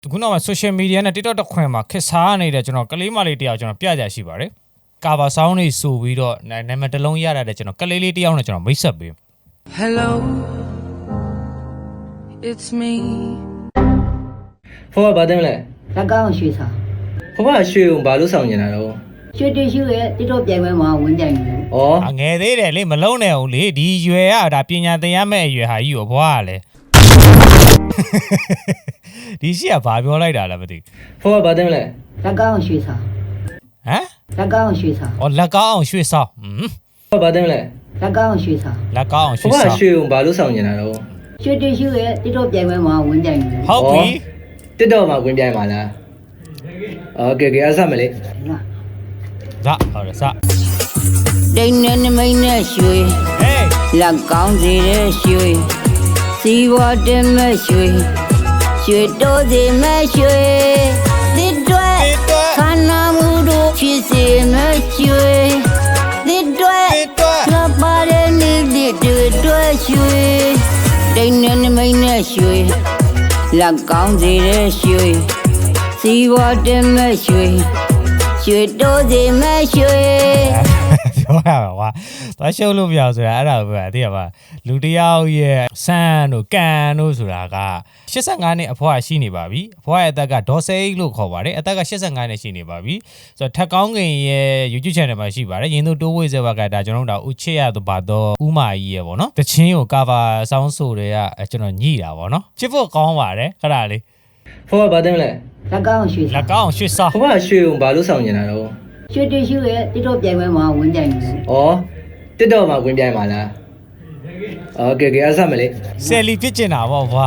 ခုနောက်မှာ social media နဲ့ TikTok တစ်ခွင်မှာခက်စားနေတဲ့ကျွန်တော်ကလေးမလေးတယောက်ကျွန်တော်ပြကြရှိပါတယ်။ cover sound တွေဆိုပြီးတော့နာမည်တစ်လုံးရတဲ့ကျွန်တော်ကလေးလေးတယောက်နဲ့ကျွန်တော်မိတ်ဆက်ပေး Hello it's me ဖောကဘာတင်လဲလက်ကောင်းရွှေစာဖောကရွှေုံဘာလို့ဆောင်နေတာတော့ရွှေတရွှေရဲ့တိတော့ပြိုင်ပွဲမှာဝင်ကြိုင်တယ်ငယ်သေးတယ်လေမလုံးနဲ့ဦးလေဒီရွယ်ကဒါပညာသင်ရမယ့်အရွယ်ဟာကြီးကိုဘွားကလေဒီရှိကဘာပြောလိုက်တာလဲမသိဖောကဘာတင်လဲလက်ကောင်းရွှေစာဟမ်လက်ကောင်းရွှေစာလက်ကောင်းအောင်ရွှေဆောင်းဖောကဘာတင်လဲလက်ကောင်းရွှေစာလက်ကောင်းအောင်ရွှေဖောကဆောင်းရွှေုံဘာလို့ဆောင်နေတာတော့ရွှေတရွှေရဲ့တိတော့ပြိုင်ပွဲမှာဝင်ကြိုင်တယ်ဟုတ်ပြီတစ်တော့မှာဝင်ပြိုင်ပါလားโอเคအဆမလေးဇာဟုတ်တယ်ဇာဒိန်းနဲ့နမိတ်နဲ့ရွှေဟေးလက်ကောင်းစီတဲ့ရွှေစီဝတ်တဲ့မဲ့ရွှေရွှေတိုးစီမဲ့ရွှေတစ်တွဲခန္ဓာမူတို့ဖြစ်စေမဲ့ရွှေတစ်တွဲလပါတဲ့နေ့တွေတွဲရွှေဒိန်းနဲ့နမိတ်နဲ့ရွှေလက်ကောင်းစီတဲ့ရွှေစီဝတ်တဲ့မဲ့ရွှေရွှေတိုးစီမဲ့ရွှေပြောရပါကွာသွားရှုပ်လို့မရဆိုတာအဲ့ဒါကိုပြောတာသိရပါလူတယောက်ရဲ့ဆန်းတို့ကန်တို့ဆိုတာက85နှစ်အဖွားရှိနေပါပြီအဖွားရဲ့အသက်ကဒေါ်စိတ်လို့ခေါ်ပါတယ်အသက်က85နှစ်ရှိနေပါပြီဆိုတော့ထက်ကောင်းကင်ရဲ့ YouTube channel မှာရှိပါတယ်ရင်တို့တိုးဝေးစေဘကဒါကျွန်တော်တို့ဦးချစ်ရတော့ပါတော့ဦးမာကြီးရဲ့ဗောနော်တချင်းကို cover ဆောင်းဆိုတွေကကျွန်တော်ညှိတာဗောနော်ချစ်ဖို့ကောင်းပါတယ်ခဏလေးဖောကဘာတင်လဲလက်ကောင်းရွှေလက်ကောင်းရွှေဆောင်းဖောကရွှေုံဘာလို့ဆောင်နေတာတော့ရွှေတရွှေရဲ့တိတော့ပြိုင်ပွဲမှာဝင်ကြိုင်တယ်တစ်တော့မှာဝင်ပြိုင်ပါလားโอเคအဆမလေးဆယ်လီဖြစ်ကျင်တာဗောဗျာ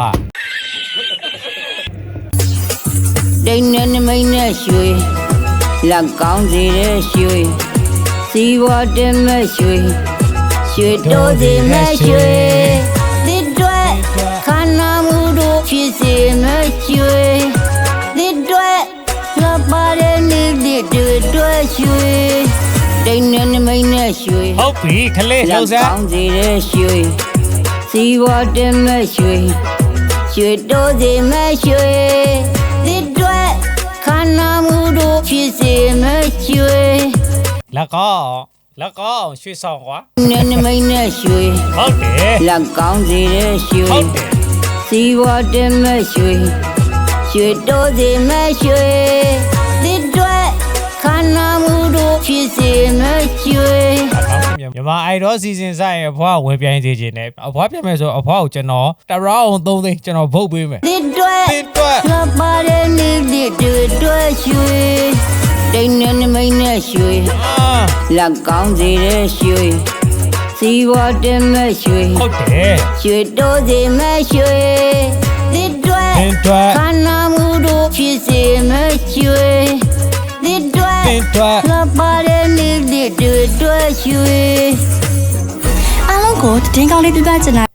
ဒိန်းနဲ့နမိတ်နဲ့ရွှေလက်ကောင်းစီတဲ့ရွှေစီဝတ်တဲ့မဲ့ရွှေရွှေတိုးစီမဲ့ရွှေတစ်တွဲခန္ဓာမူတို့ဖြစ်စေမဲ့ရွှေတစ်တွဲလပါတဲ့နေ့တွေတွဲရွှေဒိန်းနဲ့နမိတ်နဲ့ရွှေဟုတ်ပြီခလေးလှုပ်စမ်းကောင်းစီတဲ့ရွှေစီဝတ်တဲ့မဲ့ရွှေရွှေတိုးစီမဲ့ရွှေတစ်တွဲခန္ဓာမူတို့ဖြစ်စေမဲ့ရွှေလက်ကောင်းရွှေဆောင်းကွာနဲ့နမိတ်နဲ့ရွှေဟုတ်တယ်လက်ကောင်းစီတဲ့ရွှေဟုတ်တယ်စီဝတ်တဲ့မဲ့ရွှေရွှေတိုးစီမဲ့ရွှေတစ်တွဲခန္ဓာမူတို့ဖြစ်စေမဲ့ရွှေမြန်မာအိုင်ဒေါစီစဉ်ဆိုင်အဖွားဝင်ပြိုင်စေခြင်းနဲ့အဖွားပြမယ်ဆိုအဖွားကိုကျွန်တော်တရောင်း3သိန်းကျွန်တော်ဗုတ်ပေးမယ်တစ်တွဲတစ်တွဲလပါတဲ့နေ့တွေတွဲရွှေဒိန်းနဲ့နမိတ်နဲ့ရွှေလက်ကောင်းစီတဲ့ရွှေစီဝတ်တဲ့မဲ့ရွှေဟုတ်တယ်ရွှေတိုးစီမဲ့ရွှေတစ်တွဲတစ်တွဲခန္ဓာမူတို့ဖြစ်စေမဲ့ရွှေတစ်တွဲတစ်တွဲလပါတဲ့နေ့တွေတွဲရွှေအားလုံးကိုတင်းကောင်းလေးပြပြချင်တာ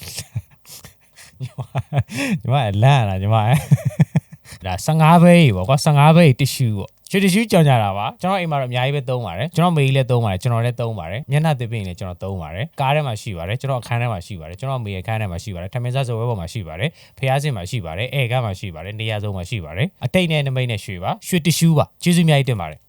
ညီမလန့်လာညီမဒါ15ပဲပေါ့ကွာ15ပဲတ िश ူပေါ့ရွှေတ िश ူကြောင်ကြတာပါကျွန်တော်အိမ်မှာတော့အများကြီးပဲသုံးပါတယ်ကျွန်တော်မေကြီးလည်းသုံးပါတယ်ကျွန်တော်လည်းသုံးပါတယ်မျက်နှာသစ်ပင်လည်းကျွန်တော်သုံးပါတယ်ကားထဲမှာရှိပါတယ်ကျွန်တော်အခန်းထဲမှာရှိပါတယ်ကျွန်တော်မေရဲ့အခန်းထဲမှာရှိပါတယ်ထမင်းစားစပွဲပေါ်မှာရှိပါတယ်ဖျားစင်မှာရှိပါတယ်အဲကမှာရှိပါတယ်နေရာစုံမှာရှိပါတယ်အတိတ်နဲ့နမိတ်နဲ့ရွှေပါရွှေတ िश ူပါကျေးဇူးအများကြီးတင်ပါတယ်